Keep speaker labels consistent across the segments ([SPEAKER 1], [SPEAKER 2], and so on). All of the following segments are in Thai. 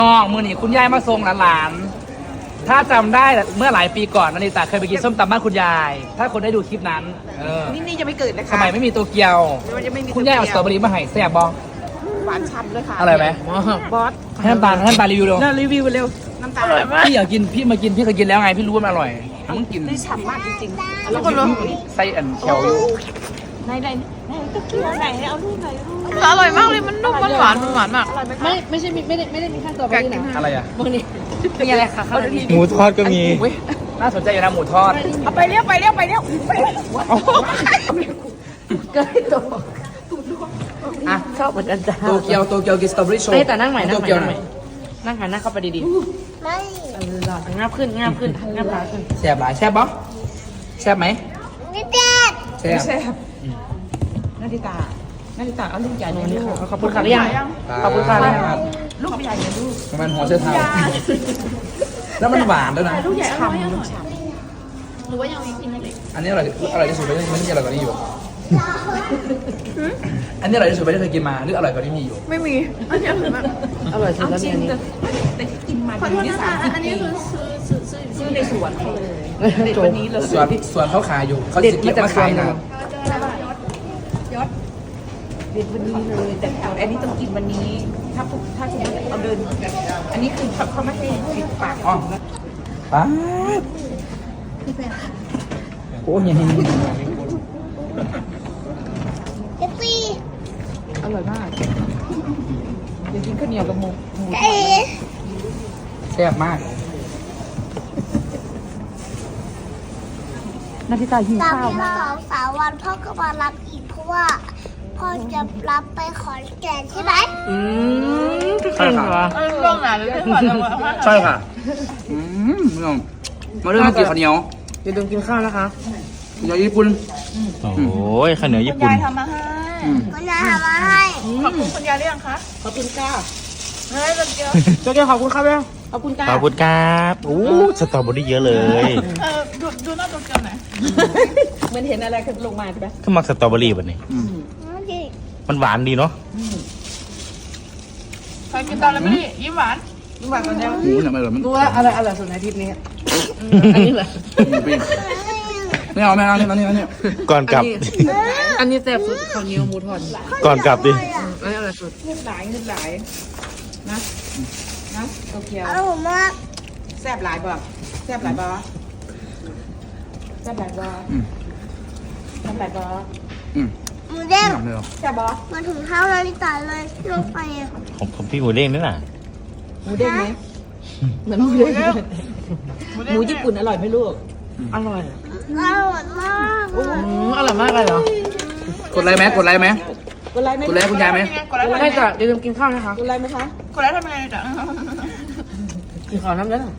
[SPEAKER 1] น้องมือนี่คุณยายมาส่งหลานๆถ้าจำได้เมื่อหลายปีก่อนนาริตาเคยไปกินส้มตำบ้านคุณยาย ถ้าคนได้ดูคลิปนั้น
[SPEAKER 2] นี่ยังไม่เกิดนะคะ
[SPEAKER 1] สมัยไม่มีโตเกียวคุณยายเอาสตรอเบอรี่มาให้แซ่บบอง
[SPEAKER 2] หวานฉ่ำเลยค่ะ
[SPEAKER 1] อร่อยไหม
[SPEAKER 2] บอส
[SPEAKER 1] ให้น้ำตาลรีวิวดู
[SPEAKER 2] รีวิวเร็วน้ำตาลอร่อยมาก
[SPEAKER 1] พี่อยากกินพี่มากินพี่เคยกินแล้วไงพี่รู้ว่ามันอร่อยมึงกิน
[SPEAKER 2] ได้ฉ่ำมากจริงๆ
[SPEAKER 1] แล้วก็ไส้อันเขียวอยู่
[SPEAKER 2] ไหนตะเกียบไหนเอาลูกไหน
[SPEAKER 3] อร่อยมากเลยมันนุ่มมันหวานมาก
[SPEAKER 2] ไม่ใช่ไม่ได้มีขั้นตอนแบบนี้นะ
[SPEAKER 1] อะไรอ่ะ
[SPEAKER 2] พวกนี้มีอะไรคะ
[SPEAKER 4] หมูทอดก็มี
[SPEAKER 1] น่าสนใจอยู่นะหมูทอด
[SPEAKER 2] เอาไปเรียกเกิดตัว
[SPEAKER 1] อ่ะ
[SPEAKER 2] ชอบเหมือนกันจ้า
[SPEAKER 1] โตเกียวกินสตรอเบอรี่โชว์
[SPEAKER 2] แต่นั่งใหม่นั่งหันหน้าเข้าไปดี
[SPEAKER 5] ไม่
[SPEAKER 2] ๆหล่องับขึ้นงับขาขึ้น
[SPEAKER 1] แซ่บหลายแซ่บบ้องแซ่บไหม
[SPEAKER 5] ไม่เจ็บ
[SPEAKER 1] แซ่บ
[SPEAKER 2] นาฬิตาเอาลูกใหญ่เลยลูก
[SPEAKER 1] ขอบคุณค่ะหรือยังขอบคุณค่ะ
[SPEAKER 2] ลูกใหญ่เลยลูก
[SPEAKER 1] มันหัวเชื้อเท้าแล้วมันหวานด้วยนะ
[SPEAKER 2] ลูกใหญ่ฉ่ำ
[SPEAKER 3] หรือว่ายังมีกินเล็ก
[SPEAKER 1] อันนี้อร่อยที่สุดไม่มีอร่อยกว่านี้อยู่อันนี้อร่อยที่สุดไม่ได้เคยกินมาหรืออร่อยกว่านี้มีอยู่
[SPEAKER 3] ไม่มีอันนี้อร่อยมาก
[SPEAKER 2] อร่อยสุดแล้วเนี่ยนี่
[SPEAKER 3] แต่ที่กินมานี่อันนี้คือซื้อในสวนเขาเลยเด็ดวันนี้เลย
[SPEAKER 1] สวนเขาขายอยู่เขาจะเก็บมาขายนะ
[SPEAKER 2] เด็ดวันนี้เลยแต่อันนี้ต้องกินวันนี้ถ้าสมมติเอาเดินอันนี้คือเขาไม่ให้ปิดปาก
[SPEAKER 1] อ๋อป๊าบโอ้ยยัง
[SPEAKER 5] เจ็บปี
[SPEAKER 2] อร่อยมากเดี๋ยวกินข้าวเหนียวกับหมู
[SPEAKER 1] แซ่บมาก
[SPEAKER 2] นาฬิตาหิวข้าวมาก
[SPEAKER 5] 2-3 วันพ่อก็มารับอีกเพราะว่าพ่อจะรับไปขอนแก่นใช่ไหม
[SPEAKER 1] ใช่ค่ะ
[SPEAKER 3] ช่วงไหนเลย
[SPEAKER 1] ใช่ค่ะมาเรื่องกินข้าวเหนียว
[SPEAKER 2] อย่าลืมกินข้าวนะคะ
[SPEAKER 1] ข้าวเหนียวญี่ปุ่น
[SPEAKER 4] โอ้ยข้าวเหนียวญี่ปุ่น
[SPEAKER 3] ยายทำมาให้
[SPEAKER 5] คุณยายทำมาให้
[SPEAKER 3] ขอบคุณคุณยายหรือยังคะ
[SPEAKER 2] ขอบคุณก้า
[SPEAKER 3] เฮ้ยเกียว
[SPEAKER 2] เจ้าขอบคุณครับแล้วขอบคุณก้า
[SPEAKER 4] ขอบคุณครับโอ้สตรอเบอรี่เยอะเลย
[SPEAKER 3] ดูหน้าตัวเกียวหน่อย
[SPEAKER 2] เหมือนเห็นอะไรขึ้นลงมาใช่ไหม
[SPEAKER 4] ก็มักสตรอเบอรี่แบบนี้มันหวานดีเนาะ
[SPEAKER 3] ใครกินตอนแล้วไม่ได้ยิ้มหวาน
[SPEAKER 2] กันแล้ว
[SPEAKER 1] หมูเนี่ยไม่อร่อยมัน
[SPEAKER 2] รู้ว่าอะไรสุดในอาทิตย์นี้อันนี้เหรอ
[SPEAKER 1] ไม่เอานี่
[SPEAKER 4] ก่อนกลับ
[SPEAKER 2] อันนี้แซ่บสุดข้าวเหนียวหมูทอด
[SPEAKER 4] ก่อนกลับดิ
[SPEAKER 2] อันนี้อะไรสุดเงียบหลายนะโตเกียว
[SPEAKER 5] อร่อยมาก
[SPEAKER 2] แซ่บหลายบ่แซ่บหลายบ่
[SPEAKER 5] หมูเด้ง
[SPEAKER 2] แซ่บบ่
[SPEAKER 5] มาถึงเท้านาฬิตาเลยลงไปอ่ะ
[SPEAKER 4] ผมพี่หมูเด้งนี่น่ะ
[SPEAKER 2] หมูเด้งไหมเหมือนหมูเด้งหมูญี่ปุ่นอร่อยไหมลูกอร่อย
[SPEAKER 5] อร่อยมาก
[SPEAKER 2] อร่อยมากเลยเหรอก
[SPEAKER 1] ดไลค์ไหมคุณยายไหม
[SPEAKER 2] ให้จ้ะอย่าลืมกินข้าวนะคะกดไลค์ไหมคะ
[SPEAKER 3] กดไลค์ทำไงจ้ะ
[SPEAKER 2] กินข้าวน้ำเด้อ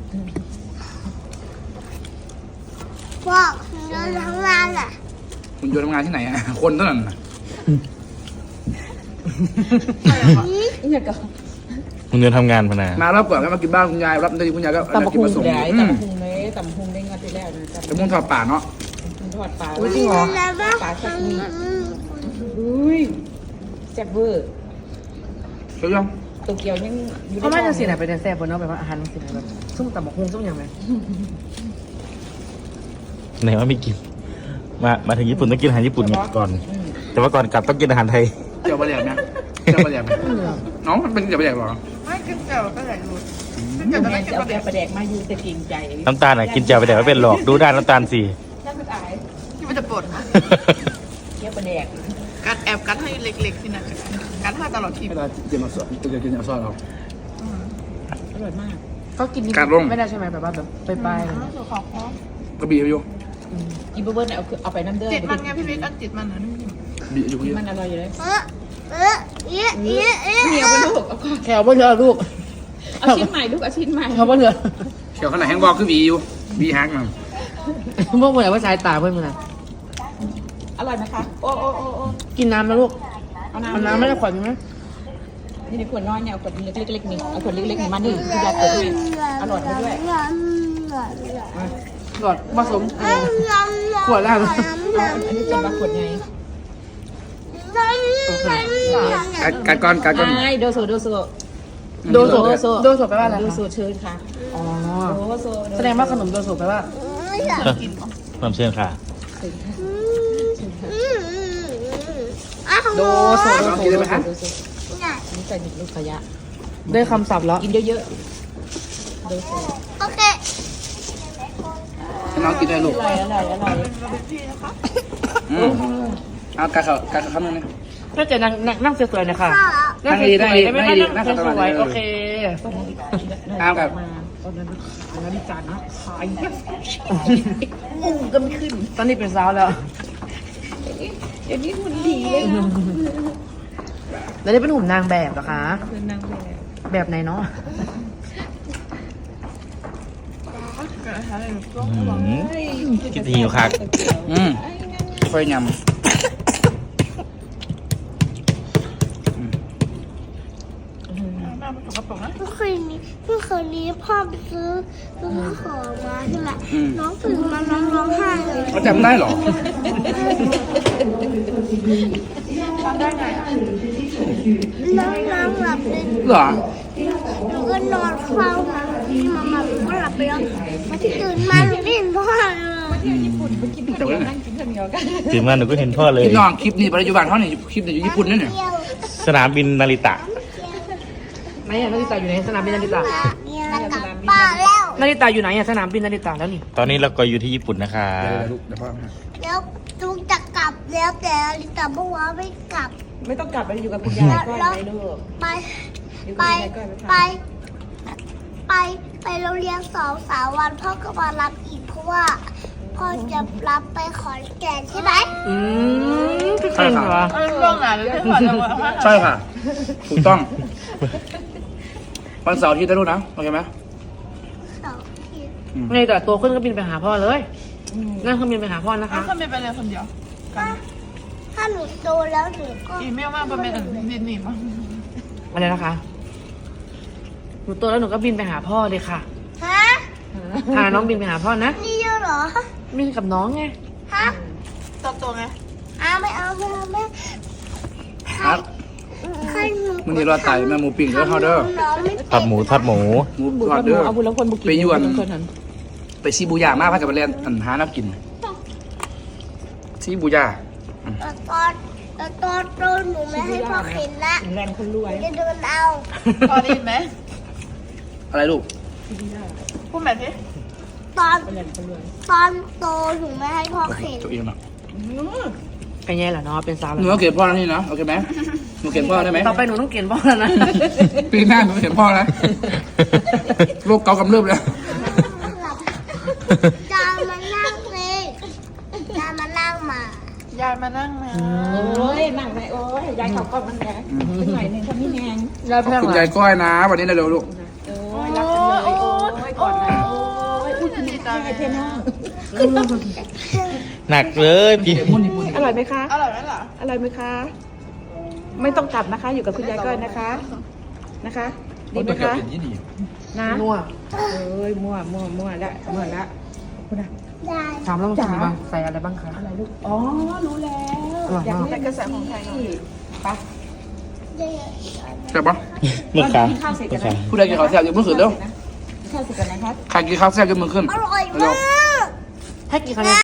[SPEAKER 5] บอกเดินทำงานอ่ะ
[SPEAKER 1] คุณโยนทำงานที่ไหนอ่ะคนเท่านั้น
[SPEAKER 2] เนี่ยก็
[SPEAKER 4] มึงเดินทำงานพนา
[SPEAKER 1] มารับก่อนแล้วมากินบ้านคุณยายรับได้คุณยายก็
[SPEAKER 2] ตำบักหุ่งได้ตำบักหุ่งเลยตำบักหุ่งได้งานที่แรกนะ
[SPEAKER 1] ตำบักหุ่งทอดป่าเนาะ
[SPEAKER 2] ทอดปลาจริงเหรอปลาสักนิดอุ้ยแซ่บเวอร์
[SPEAKER 1] ใช่ยัง
[SPEAKER 2] โตเกียวยังเขาไม่จะสิไหนไปแซ่บบนเนาะแบบว่าอาหารสิไหนแบบส้มตำบักหุ่งส้มยำไหม
[SPEAKER 4] ไหนว่าไม่กินมาถึงญี่ปุ่นต้องกินอาหารญี่ปุ่นก่อนแต่ว่าก่อนกลับต้องกินอาหารไทย
[SPEAKER 1] เจียวปลาแดกนะน้องมันเป็นเจียวปลาแดกหรอ
[SPEAKER 3] ไม่กินเจียวปลาแดกดู
[SPEAKER 2] กินเจียวปลาแดกมาอยู่แต่กินใจ
[SPEAKER 4] น้ำตาลกินเจียวปลาแดกไม่เป็นหรอกดูด้านน้ำตาลสิ
[SPEAKER 3] น่าจะตายที่มันจะปวด
[SPEAKER 2] เจียวปลาแดก
[SPEAKER 3] กัดแอบกัดให้เล็กๆที่นั่นกัดให้ตลอดที
[SPEAKER 1] ไม่ได้กินมาสดกินเอาซอสเรา
[SPEAKER 2] อร่อยมากเขากินไม่ได้ใช่ไหมแบบว่าแบบไป
[SPEAKER 1] กระบี่อยู่
[SPEAKER 2] กินเบอร์เนี่ยเอาไปน้ำเดือด
[SPEAKER 3] จิตมันไงพี่บิ๊กอันจิตมันนะ
[SPEAKER 1] บีอยู่เยอะ
[SPEAKER 2] มันอร่อยอยู่เลย
[SPEAKER 5] เหนี
[SPEAKER 2] ยวไปลูกแขวบ่เหลือลูกเอาชิ้นใหม่ลูกเอาชิ้นใหม่เขาบ่เหลือ
[SPEAKER 1] แขวขนาดแห้งบอกคือบีอยู่บีฮักมัน
[SPEAKER 2] พวกเหมือนว่าชายตาเพื่อนมันอร่อยไหมคะโอ้กินน้ำนะลูกเอาน้ำไม่ได้ขวดใช่ไหมนี่ในขวดน้อยเนี่ยเอาขวดเล็กๆนี่เอาขวดเล็กๆนี่มันนี่คือยาเกิดด้วยอร่อยด้วยขวดผสมขวดแล้วอันนี้จะมาขวดไง
[SPEAKER 1] กัดก้อน
[SPEAKER 2] โดโซโดโซโดโซแปลว่าอะไร
[SPEAKER 3] ดู
[SPEAKER 2] คะ
[SPEAKER 3] สูตรเชิญค่ะ
[SPEAKER 2] อ๋อ
[SPEAKER 3] โอ้โซ
[SPEAKER 2] แสดงว่าขนมโดโซแปลว่า
[SPEAKER 5] ไม่อยาก
[SPEAKER 4] น้ำเชื่อค่ะ
[SPEAKER 5] อ้าว
[SPEAKER 2] โดโซ
[SPEAKER 1] ลองกินได้ไหมคะ
[SPEAKER 5] เนี่ย
[SPEAKER 3] นี่ใส่ลูกขยะ
[SPEAKER 2] ได้คำศัพท์แล้ว
[SPEAKER 3] กินเยอะ
[SPEAKER 5] โอเค
[SPEAKER 1] น้องกินได้ลูก
[SPEAKER 3] ๆอร่อยอร่อย
[SPEAKER 1] เอากาเขาคำนึงนะ
[SPEAKER 2] ถ้าจะนั่งสวยๆนะคะ
[SPEAKER 5] ค่ะ
[SPEAKER 1] นั่งดีนั่งดี
[SPEAKER 2] ได้ไหม
[SPEAKER 1] นั่งดี
[SPEAKER 2] นั่ง
[SPEAKER 1] นั่ง
[SPEAKER 2] ส
[SPEAKER 1] สบาย
[SPEAKER 2] วยๆโอเค
[SPEAKER 1] เอากับ
[SPEAKER 3] ตอนนั้นจานนะขาย
[SPEAKER 2] ก็ไม่ขึ้น ตอนนี้เป็นสาวแล้ว
[SPEAKER 3] เดี๋ยวนี้หุ่นดีเลยนะ
[SPEAKER 2] แล้วได้เป็นหุ่นนางแบบเหรอคะ
[SPEAKER 3] คือนางแบบ
[SPEAKER 2] แบบไหนเนาะ
[SPEAKER 4] กินทีอยู่ค่ะ
[SPEAKER 1] ค่อยยำ
[SPEAKER 5] เมื่อคืนนี้พ่อไปซื้อของมาใช่ไหมน้องตื่นมาน้องร้องไห้เลย
[SPEAKER 1] เขาจำได้เหรอ
[SPEAKER 5] น้องหลับเลย
[SPEAKER 1] เหรอ
[SPEAKER 5] หนูก็นอนเฝ้านะที่มาหนูก็หลับไปแล้วพอที่ตื่นมาหนูไม่เห็นพ่อเลย
[SPEAKER 1] แต่ว่า
[SPEAKER 3] นั่งกินข้าวเหนียวกัน
[SPEAKER 4] ถึงมาหนูก็เห็นพ่อเลย
[SPEAKER 1] พี่น้องคลิปนี้ปัจจุบันเขาเนี่ยคลิปเนี่ยอยู่ญี่ปุ่นนั่นเนี่ย
[SPEAKER 5] เที่ยว
[SPEAKER 4] สนามบินนาริตะ
[SPEAKER 2] ไหนอะนาริตาอยู่ไหนสนามบินนาริตา
[SPEAKER 5] จะกลับบ้านแล้ว
[SPEAKER 2] นาริตาอยู่ไหนอะสนามบินนาริตาแล้วนี่
[SPEAKER 4] ตอนนี้เราก็อยู่ที่ญี่ปุ่นนะคะ
[SPEAKER 1] เดี๋ยวพ่อมา
[SPEAKER 5] แล้วจูงจะกลับแล้วแต่ลิตาบอกว่าไม่กลับ
[SPEAKER 3] ไม่ต้องกลับไปอยู่กับคุณยายก็ได้ลูก
[SPEAKER 5] ไป
[SPEAKER 3] อยู่
[SPEAKER 5] ไป
[SPEAKER 3] กับคุณยายก็
[SPEAKER 5] ไปโรงเรียน2-3 วันพ่อก็มารับอีกเพราะว่าพ่อจะรับไปขอนแก่นใช่ไหม
[SPEAKER 2] พี่เก่งเหรอ
[SPEAKER 1] ใช่ค่ะ ถูกต้อง วันเสาร์อาที่ได้รู้นะ โอเคไหม
[SPEAKER 5] เสาร์อาทิตย์
[SPEAKER 2] ไงแต่ตัวขึ้นก็บินไปหาพ่อเลยนั่งเครื่องบินไปหาพ่อนะคะ
[SPEAKER 6] ขึ้นไปเลยคนเดียว
[SPEAKER 5] ถ้าหนูโตแล้วหนูก็
[SPEAKER 6] อีเมลมาประมาณดินนี่มั้ง
[SPEAKER 2] อะไรนะคะหนูโตแล้วหนูก็บินไปหาพ่อเลยค่ะ
[SPEAKER 5] ฮะ
[SPEAKER 2] พาน้องบินไปหาพ่อนะ
[SPEAKER 5] นี่เยอะเหรอ
[SPEAKER 2] บินกับน้องไง
[SPEAKER 5] ฮะ
[SPEAKER 6] ตัวไง
[SPEAKER 5] ไม่เอาแม่
[SPEAKER 1] ครับ
[SPEAKER 5] ให้หนู
[SPEAKER 1] มึงนี่รอดไตแม่หมูปิ้งเด้อเขาเด้อ
[SPEAKER 5] น้องไม่
[SPEAKER 4] ทอดหมูทอดหมู
[SPEAKER 1] หมู
[SPEAKER 3] บุญ
[SPEAKER 1] ทอดเด้อ
[SPEAKER 3] เอาบุญแล้วคนบุกิน
[SPEAKER 1] ไปยวน
[SPEAKER 3] คนนั้น
[SPEAKER 1] ไปซีบูย่ามากพักกับไปเรียนหาน้ำกินซีบูย่า
[SPEAKER 5] ตอนโตหนูไม่ให้พ่อเข็นละ
[SPEAKER 3] แรงคนรวย
[SPEAKER 5] จะเดินเอา
[SPEAKER 6] พอได้ยินไหม
[SPEAKER 1] อะไรลูก
[SPEAKER 6] พูดแบบนี้
[SPEAKER 5] ตอนโตหนูไม่ให้พ่อเข็น
[SPEAKER 1] ตัวเองเนาะ
[SPEAKER 2] กันแย่แหละเนาะเป็นสาว
[SPEAKER 1] ห
[SPEAKER 2] แล้
[SPEAKER 1] นู
[SPEAKER 2] ว
[SPEAKER 1] ต้องเกลียดพ่อแล้วนี่นะโอเคไหมหนูเกลียดพ่อได้ไหม
[SPEAKER 2] ต่อไปหนูต้องเกณฑ์พ่อแล้วนะ
[SPEAKER 1] ปีหน้าหนูเกลียดพ่อแล้วโรคเกาต์กำเริบแล้ว
[SPEAKER 5] จานมานั่งเลยจานมานั่งมา
[SPEAKER 6] ยายมานั่งมา
[SPEAKER 3] โอ้ยนั่งไหนโอ้ยยายเขาก็มันแดงเป็นหน่อยหนึ่งเขาไม่แหง
[SPEAKER 2] ยาย
[SPEAKER 1] ขอบ
[SPEAKER 2] แพง
[SPEAKER 1] คุณ
[SPEAKER 2] เหร
[SPEAKER 1] ยา
[SPEAKER 2] อย
[SPEAKER 1] ก้อยนะ วันนี้เร็วๆลูก
[SPEAKER 3] โอ้ยรักกันเลยโอ้ยกอดกันโอ้ยพูดดีใจเท่น้อง
[SPEAKER 4] หนักเลยพี่
[SPEAKER 3] อร่อยไหมคะ
[SPEAKER 6] อร่อยไหมล่ะ
[SPEAKER 3] อร่อยไหมคะ ไม่ต้องกลับนะคะ อยู่กับคุณยายก้อยนะคะ นะคะดีไหมคะนะ
[SPEAKER 2] นัว
[SPEAKER 3] เอ้ยมั่วละคุณอะ
[SPEAKER 5] ได้
[SPEAKER 2] ถามแล้วมันกินบ้างใส่อะไรบ้างคะ
[SPEAKER 3] อะไรลูกอ๋อรู้แล้ว
[SPEAKER 2] อร่อย
[SPEAKER 3] อยาก
[SPEAKER 2] มาก
[SPEAKER 3] เล่นกระแสของไทยไป
[SPEAKER 1] ใช่ปะ
[SPEAKER 4] เมื่อค้า
[SPEAKER 3] ข้าวเสร็จ
[SPEAKER 4] เมื่
[SPEAKER 3] กั
[SPEAKER 4] อน ค้า
[SPEAKER 3] นะ
[SPEAKER 1] ผู้ใดกินข้าวแซ่บยกมือขึ้นเร็ว
[SPEAKER 3] ข้าวเสร็จกันนะคะ
[SPEAKER 1] ใครกินข้าวแซ่บยกมือขึ้น
[SPEAKER 5] อร่อย
[SPEAKER 1] เร็
[SPEAKER 5] มาว ก
[SPEAKER 2] ให้กี่คะแนน